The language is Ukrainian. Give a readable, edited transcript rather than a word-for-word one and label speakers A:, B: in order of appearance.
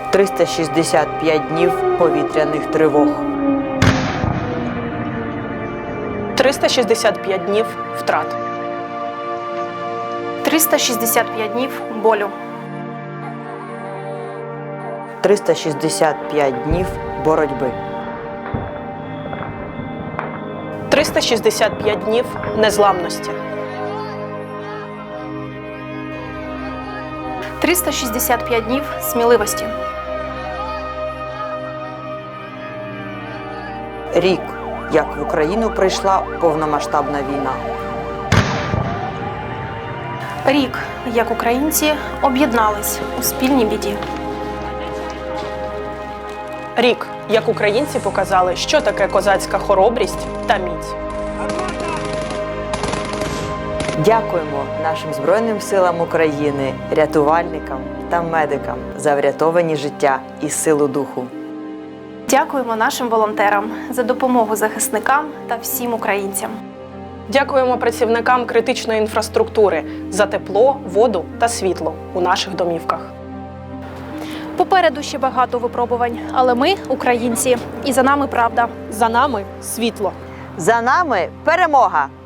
A: 365 днів повітряних тривог.
B: 365 днів втрат.
C: 365 днів болю.
A: 365 днів боротьби.
B: 365 днів незламності.
C: 365 днів сміливості.
A: Рік, як в Україну прийшла повномасштабна війна.
C: Рік, як українці об'єднались у спільній біді.
B: Рік, як українці показали, що таке козацька хоробрість та міць.
A: Дякуємо нашим Збройним силам України, рятувальникам та медикам за врятовані життя і силу духу.
C: Дякуємо нашим волонтерам за допомогу захисникам та всім українцям.
B: Дякуємо працівникам критичної інфраструктури за тепло, воду та світло у наших домівках.
C: Попереду ще багато випробувань, але ми – українці, і за нами правда.
B: За нами світло.
A: За нами перемога!